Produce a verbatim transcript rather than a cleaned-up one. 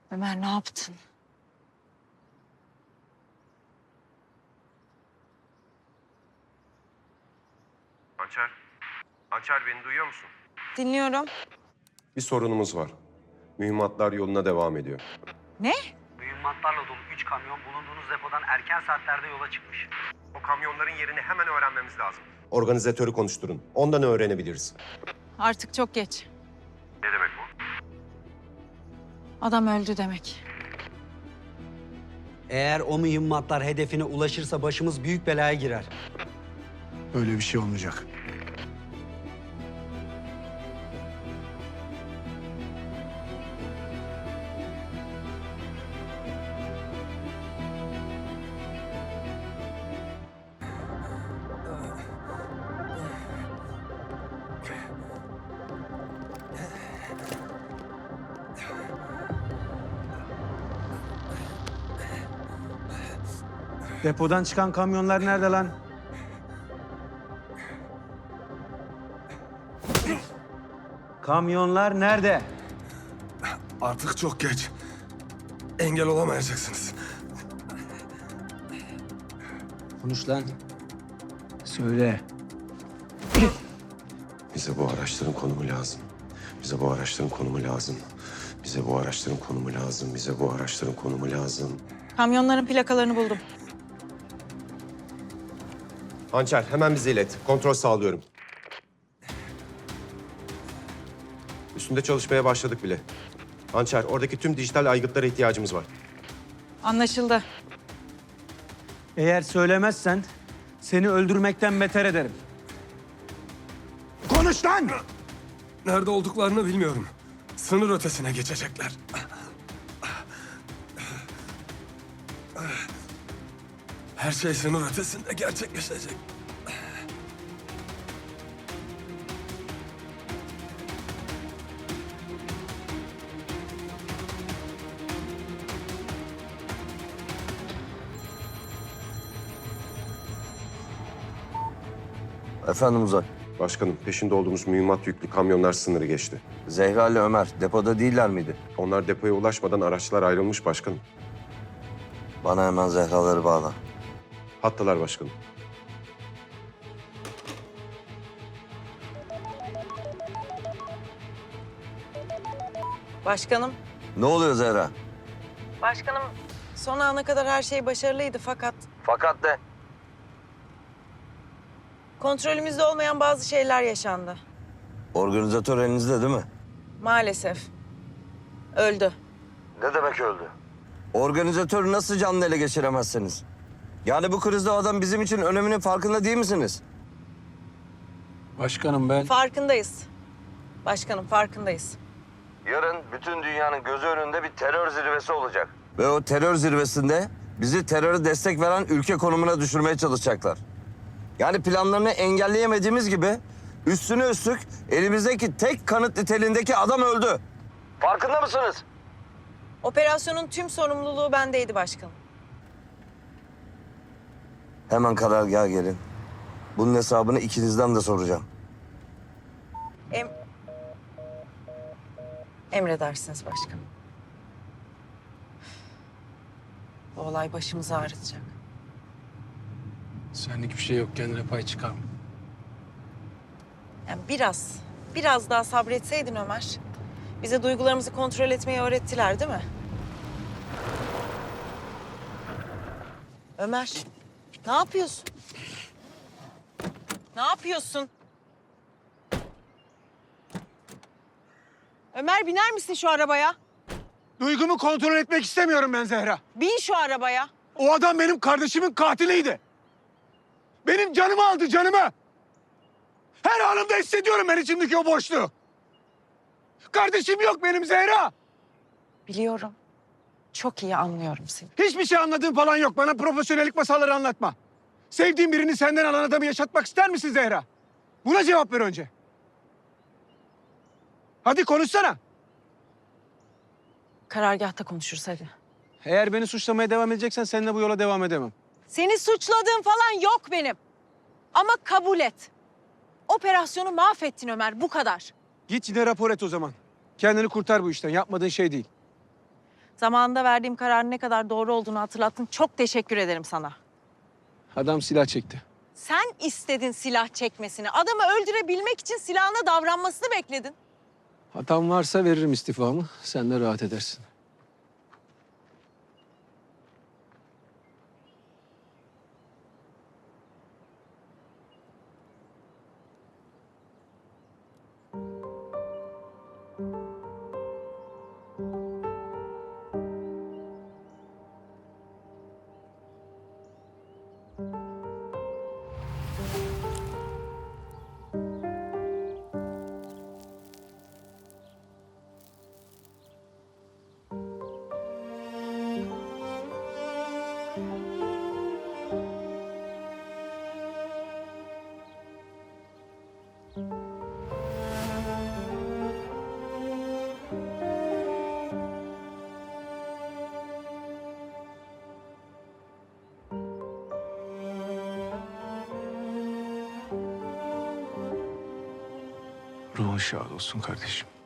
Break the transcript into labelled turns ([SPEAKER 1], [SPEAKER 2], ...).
[SPEAKER 1] Ömer ne yaptın?
[SPEAKER 2] Hançer, Hançer beni duyuyor musun?
[SPEAKER 1] Dinliyorum.
[SPEAKER 2] Bir sorunumuz var. Mühimmatlar yoluna devam ediyor.
[SPEAKER 1] Ne?
[SPEAKER 3] Mühimmatlarla dolu üç kamyon bulunduğunuz depodan erken saatlerde yola çıkmış.
[SPEAKER 2] O kamyonların yerini hemen öğrenmemiz lazım. Organizatörü konuşturun. Ondan öğrenebiliriz.
[SPEAKER 1] Artık çok geç.
[SPEAKER 2] Ne demek bu?
[SPEAKER 1] Adam öldü demek.
[SPEAKER 3] Eğer o mühimmatlar hedefine ulaşırsa başımız büyük belaya girer.
[SPEAKER 4] Öyle bir şey olmayacak.
[SPEAKER 5] Depodan çıkan kamyonlar nerede lan? Kamyonlar nerede?
[SPEAKER 4] Artık çok geç. Engel olamayacaksınız.
[SPEAKER 3] Konuş lan.
[SPEAKER 5] Söyle.
[SPEAKER 2] Bize bu araçların konumu lazım. Bize bu araçların konumu lazım. Bize bu araçların konumu lazım. Bize bu araçların konumu lazım.
[SPEAKER 1] Kamyonların plakalarını buldum.
[SPEAKER 2] Hançer hemen bize ilet. Kontrol sağlıyorum. Üstünde çalışmaya başladık bile. Hançer, oradaki tüm dijital aygıtlara ihtiyacımız var.
[SPEAKER 1] Anlaşıldı.
[SPEAKER 5] Eğer söylemezsen seni öldürmekten beter ederim.
[SPEAKER 4] Konuş lan! Nerede olduklarını bilmiyorum. Sınır ötesine geçecekler. Her şey sınır ötesinde gerçekleşecek.
[SPEAKER 6] Efendim Uzay.
[SPEAKER 2] Başkanım, peşinde olduğumuz mühimmat yüklü kamyonlar sınırı geçti.
[SPEAKER 6] Zehra ile Ömer depoda değiller miydi?
[SPEAKER 2] Onlar depoya ulaşmadan araçlar ayrılmış başkanım.
[SPEAKER 6] Bana hemen Zehra'ları bağla.
[SPEAKER 2] Hattalar başkanım.
[SPEAKER 1] Başkanım.
[SPEAKER 6] Ne oluyor Zehra?
[SPEAKER 1] Başkanım son ana kadar her şey başarılıydı fakat
[SPEAKER 6] Fakat de.
[SPEAKER 1] kontrolümüzde olmayan bazı şeyler yaşandı.
[SPEAKER 6] Organizatör elinizde değil mi?
[SPEAKER 1] Maalesef. Öldü.
[SPEAKER 6] Ne demek öldü? Organizatörü nasıl canlı ele geçiremezsiniz? Yani bu krizde o adam bizim için öneminin farkında değil misiniz?
[SPEAKER 5] Başkanım ben...
[SPEAKER 1] Farkındayız. Başkanım farkındayız.
[SPEAKER 6] Yarın bütün dünyanın gözü önünde bir terör zirvesi olacak. Ve o terör zirvesinde bizi teröre destek veren ülke konumuna düşürmeye çalışacaklar. Yani planlarını engelleyemediğimiz gibi üstüne üstlük elimizdeki tek kanıt niteliğindeki adam öldü. Farkında mısınız?
[SPEAKER 1] Operasyonun tüm sorumluluğu bendeydi başkanım.
[SPEAKER 6] Hemen karargaha gelin. Bunun hesabını ikinizden de soracağım.
[SPEAKER 1] Em... Emredersiniz başkanım. Bu olay başımızı ağrıtacak.
[SPEAKER 5] Senlik bir şey yok, kendine pay çıkarma.
[SPEAKER 1] Yani biraz, biraz daha sabretseydin Ömer. Bize duygularımızı kontrol etmeyi öğrettiler değil mi? Ömer, ne yapıyorsun? Ne yapıyorsun? Ömer biner misin şu arabaya?
[SPEAKER 4] Duygumu kontrol etmek istemiyorum ben Zehra.
[SPEAKER 1] Bin şu arabaya.
[SPEAKER 4] O adam benim kardeşimin katiliydi. Benim canımı aldı, canımı. Her anımda hissediyorum ben içimdeki o boşluğu. Kardeşim yok benim Zehra.
[SPEAKER 1] Biliyorum. Çok iyi anlıyorum seni.
[SPEAKER 4] Hiçbir şey anladığın falan yok. Bana profesyonellik masalları anlatma. Sevdiğin birini senden alan adamı yaşatmak ister misin Zehra? Buna cevap ver önce. Hadi konuşsana.
[SPEAKER 1] Karargâhta konuşuruz hadi.
[SPEAKER 5] Eğer beni suçlamaya devam edeceksen seninle bu yola devam edemem.
[SPEAKER 1] Seni suçladığım falan yok benim. Ama kabul et. Operasyonu mahvettin Ömer, bu kadar.
[SPEAKER 5] Git yine rapor et o zaman. Kendini kurtar bu işten, yapmadığın şey değil.
[SPEAKER 1] Zamanında verdiğim kararın ne kadar doğru olduğunu hatırlattın. Çok teşekkür ederim sana.
[SPEAKER 5] Adam silah çekti.
[SPEAKER 1] Sen istedin silah çekmesini. Adamı öldürebilmek için silahına davranmasını bekledin.
[SPEAKER 5] Hatam varsa veririm istifamı. Sen de rahat edersin. Ruhun şad olsun kardeşim.